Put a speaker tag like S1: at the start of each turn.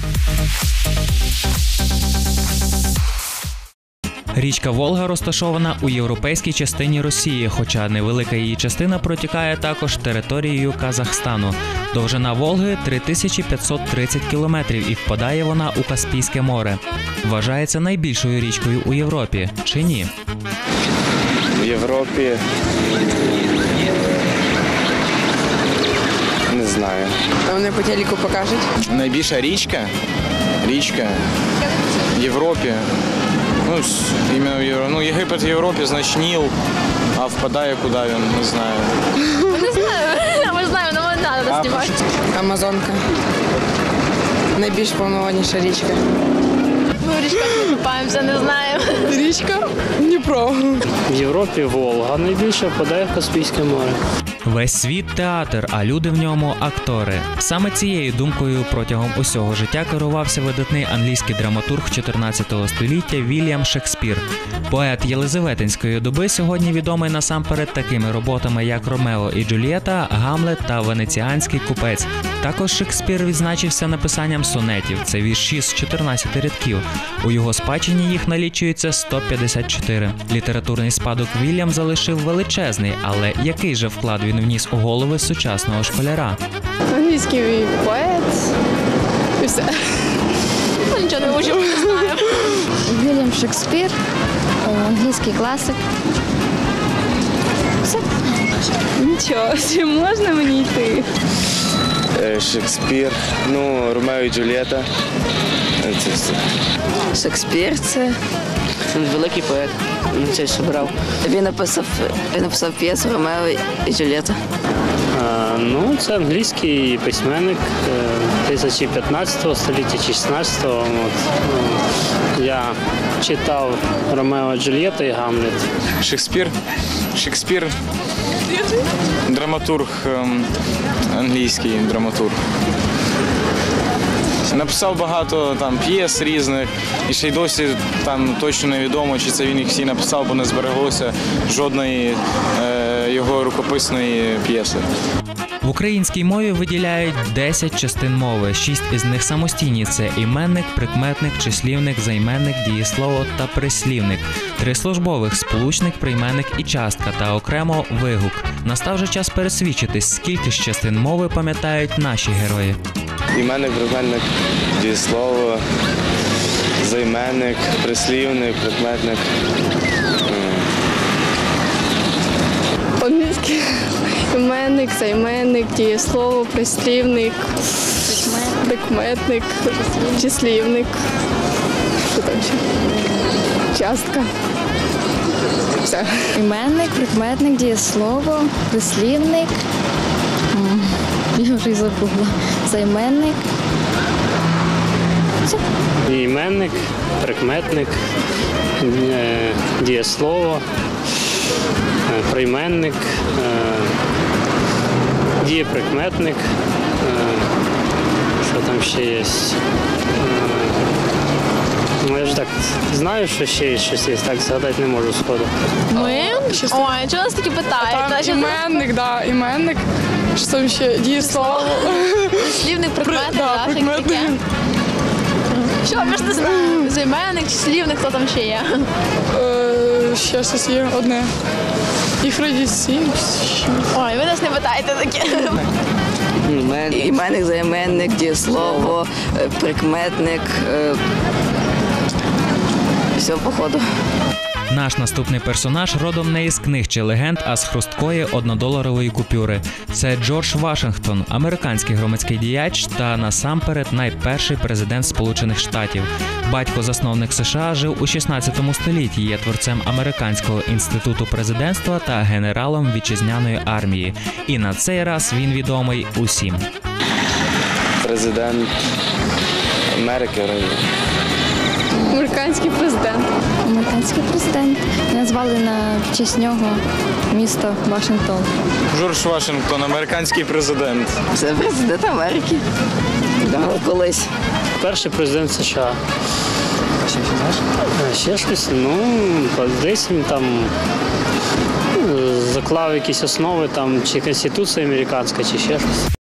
S1: Річка Волга розташована у європейській частині Росії, хоча невелика її частина протікає також територією Казахстану. Довжина Волги – 3530 кілометрів і впадає вона у Каспійське море. Вважається найбільшою річкою у Європі, чи ні?
S2: В Європі не знаю.
S3: А вони по телеку покажуть.
S4: Найбільша річка в Європі. Єгипет в Європі, значить Ніл, а впадає куди він, не знаю.
S5: Не знаю, ми знаємо, але не треба знімати.
S3: Амазонка. Найбільш повноводніша річка.
S5: Ми в річках не купаємося, не знаємо.
S3: Річка Дніпро.
S6: В Європі Волга найбільше, впадає в Каспійське море.
S1: Весь світ – театр, а люди в ньому – актори. Саме цією думкою протягом усього життя керувався видатний англійський драматург 14 століття Вільям Шекспір. Поет Єлизаветинської доби сьогодні відомий насамперед такими роботами, як «Ромео і Джульєта», «Гамлет» та «Венеціанський купець». Також Шекспір відзначився написанням сонетів – це вірші з 14 рядків. У його спадщині їх налічується 154. Літературний спадок Вільям залишив величезний, але який же вклад він вніс у голови сучасного школяра?
S5: Англійський поет. І все. Нічого не можемо, не знаємо.
S7: Вільям Шекспір, англійський класик. Все.
S5: Нічого, чи можна мені йти?
S2: Шекспір, Ромео і Джульєта. Це все.
S3: Шекспір це великий поет. Це що брав. Він написав п'єсу «Ромео і Джульєта».
S6: Це англійський письменник 15 століття чи 16-го. Я читав «Ромео і Джульєта» і «Гамлет».
S4: Шекспір драматург, англійський драматург. Написав багато п'єс різних, і ще й досі точно невідомо, чи це він їх всі написав, бо не збереглося жодної його рукописної п'єси.
S1: В українській мові виділяють 10 частин мови. 6 із них самостійні – це іменник, прикметник, числівник, займенник, дієслово та прислівник. 3 службових – сполучник, прийменник і частка та окремо вигук. Настав же час пересвідчитись, скільки ж частин мови пам'ятають наші герої.
S2: Іменник, прикметник, дієслово, займенник, прислівник, прикметник.
S5: Англійський іменник, займенник, дієслово, прислівник, прикметник, числівник. Що там ще? Частка. Все.
S7: Іменник, прикметник, дієслово, прислівник. Я вже й забула. Займенник. Все.
S6: Іменник, прикметник, дієслово, прийменник, дієприкметник, що там ще є. Я ж так знаю, що ще є щось є, так згадати не можу сходу.
S5: Ми? Ой, чого нас такі питають?
S3: Іменник, так, іменник. Що там ще? Дієслово.
S5: Слівник, прикметник, так, таке. Що, ми ж не знаємо. Займенник, числівник, хто там ще є?
S3: Ще щось є одне. Їх вроді 7.
S5: Ой, ви нас не питаєте таке.
S3: Іменник, займенник, дієслово, прикметник. Все, походу.
S1: Наш наступний персонаж родом не із книг чи легенд, а з хрусткої однодоларової купюри. Це Джордж Вашингтон, американський громадський діяч та насамперед найперший президент Сполучених Штатів. Батько-засновник США жив у 16 столітті, є творцем Американського інституту президентства та генералом вітчизняної армії. І на цей раз він відомий усім.
S2: Президент Америки.
S5: Американський президент.
S7: Американський президент. Назвали на честь нього місто Вашингтон.
S4: Джордж Вашингтон, американський президент.
S3: Це президент Америки. Колись.
S6: Перший президент США. Ще щось, десь він там заклав якісь основи, чи Конституція американська, чи ще щось.